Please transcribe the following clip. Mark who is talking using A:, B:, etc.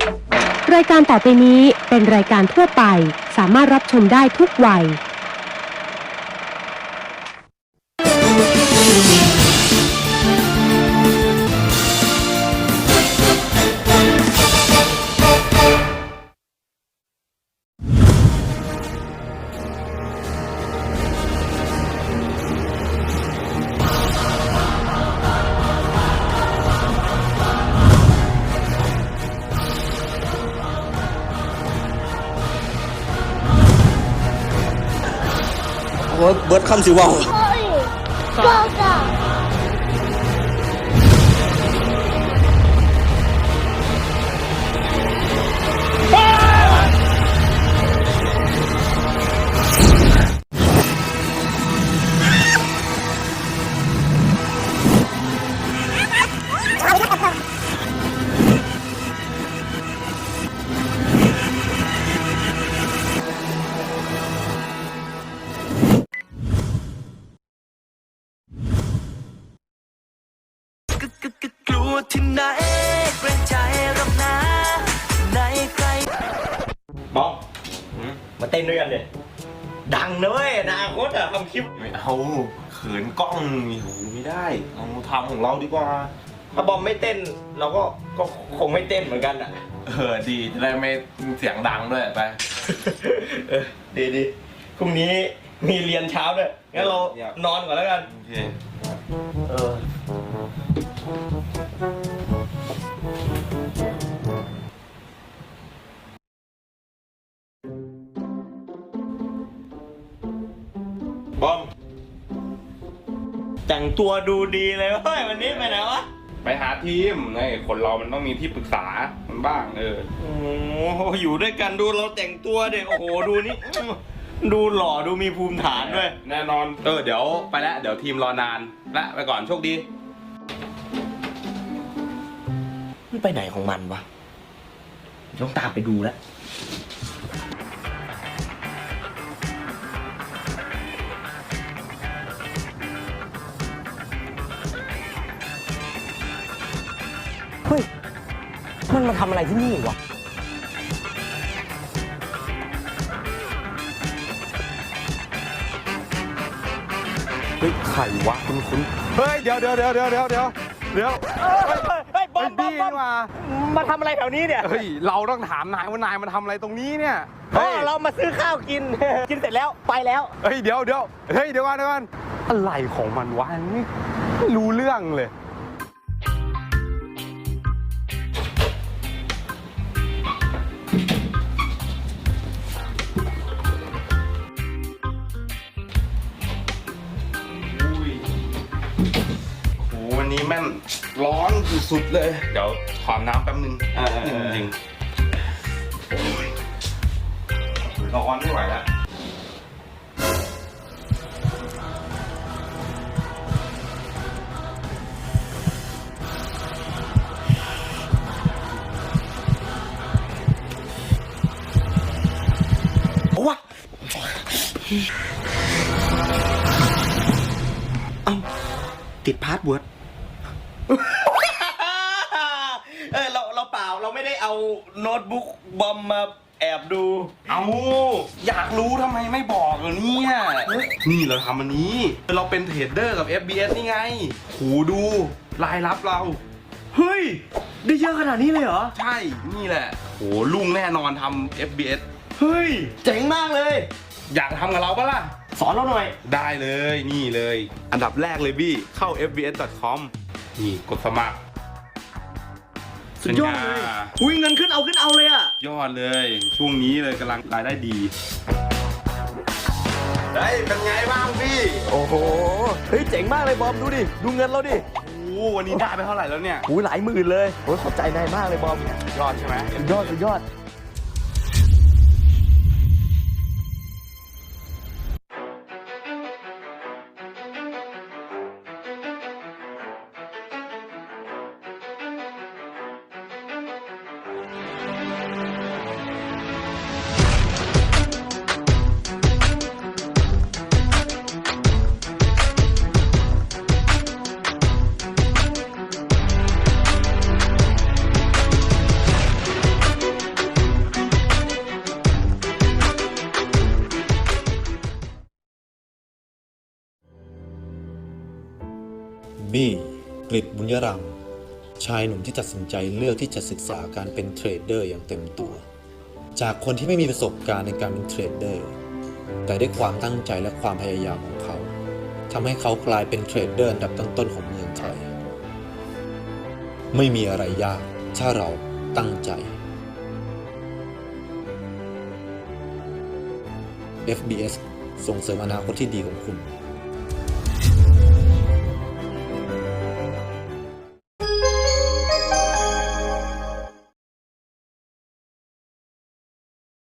A: รายการต่อไปนี้เป็นรายการทั่วไปสามารถรับชมได้ทุกวัย
B: เบิร์ดคำสิว่าว
C: ก็
D: กลัวที่ไหนเกรงใจรำนาไหนใคร
B: มองมาเต้นด้วยกันเลยดังนะเว้ยอนาคตอะทำคลิป
E: ไม่เอาเขินกล้องมีหูไม่ได้เอาทำของเราดีกว่า
B: ถ้าบอมไม่เต้นเราก็คงไม่เต้นเหมือนกันอะ
E: ดีจะได้ไม่เสียงดังด้วยไป
B: ดีพรุ่งนี้มีเรียนเช้าด้วยงั้นเรานอนก่อนแล้วกัน
E: โอเค
B: บอมแต่งตัวดูดีเลยเฮ้ยวันนี้ไปไหนวะ
E: ไปหาทีมไงคนเรามันต้องมีที่ปรึกษามันบ้าง
B: โอ้โหอยู่ด้วยกันดูเราแต่งตัวเด็กโอ้โหดูนี่ดูหล่อดูมีภูมิฐานด้วย
E: แน่นอนเดี๋ยวไปแล้วเดี๋ยวทีมรอนานละไปก่อนโชคดี
B: มันไปไหนของมันวะต้องตามไปดูแล้วเฮ้ยมันมาทำอะไรที่นี่วะ
E: เฮ้ยไข่วะคุณเฮ้ยเดี๋ยว
B: บอมมาทำอะไรแถวนี้เนี่ย
E: เฮ้ยเราต้องถามนายว่านายมาทำอะไรตรงนี้เนี่ย
B: เรามาซื้อข้าวกินเสร็จแล้วไปแล้ว
E: เฮ้ยเดี๋ยวก่อนอะไรของมันวะไม่รู้เรื่องเลยวันนี้แม่นร้อนสุดๆเลยเดี๋ยวขอน้ำแป๊บนึงจริงร้อนไม่ไหวแล้ว
B: ว้าติดพาสเวิร์ดเราเปล่าเราไม่ได้เอาโน้ตบุ๊กบอมมาแอบดู
E: อยากรู้ทำไมไม่บอกเนี่ยนี่เราทำอันนี้เราเป็นเทรดเดอร์กับ FBS นี่ไงหูดูรายรับเรา
B: เฮ้ยได้เยอะขนาดนี้เลยเหรอ
E: ใช่นี่แหละโหลุ่งแน่นอนทำ FBS
B: เฮ้ยเจ๋งมากเลย
E: อยากทำกับเราปะล่ะ
B: สอนเราหน่อย
E: ได้เลยนี่เลยอันดับแรกเลยบี้เข้า fbs.com นี่กดสมัคร
B: สุดยอดเลยอุ้ยเงินขึ้นเอาเลยอะ
E: ยอดเลยช่วงนี้เลยกำลังรายได้ดีเป็นไงบ้างพี่
B: โอ้โหเฮ้ยเจ๋งมากเลยบอมดูดิดูเงินเราดิ
E: วันนี้ได้ไปเท่าไหร่แล้วเนี่ย
B: หลายหมื่นเลยโอ้ขอบใจนายมากเลยบอม
E: ยอดใช่ไหม
B: สุดยอด
C: บี้กฤษบุญยรังชายหนุ่มที่ตัดสินใจเลือกที่จะศึกษาการเป็นเทรดเดอร์อย่างเต็มตัว จากคนที่ไม่มีประสบการณ์ในการเป็นเทรดเดอร์แต่ด้วยความตั้งใจและความพยายามของเขาทำให้เขากลายเป็นเทรดเดอร์อันดับต้นๆของเมืองไทยไม่มีอะไรยากถ้าเราตั้งใจ FBS ส่งเสริมอนาคตที่ดีของคุณ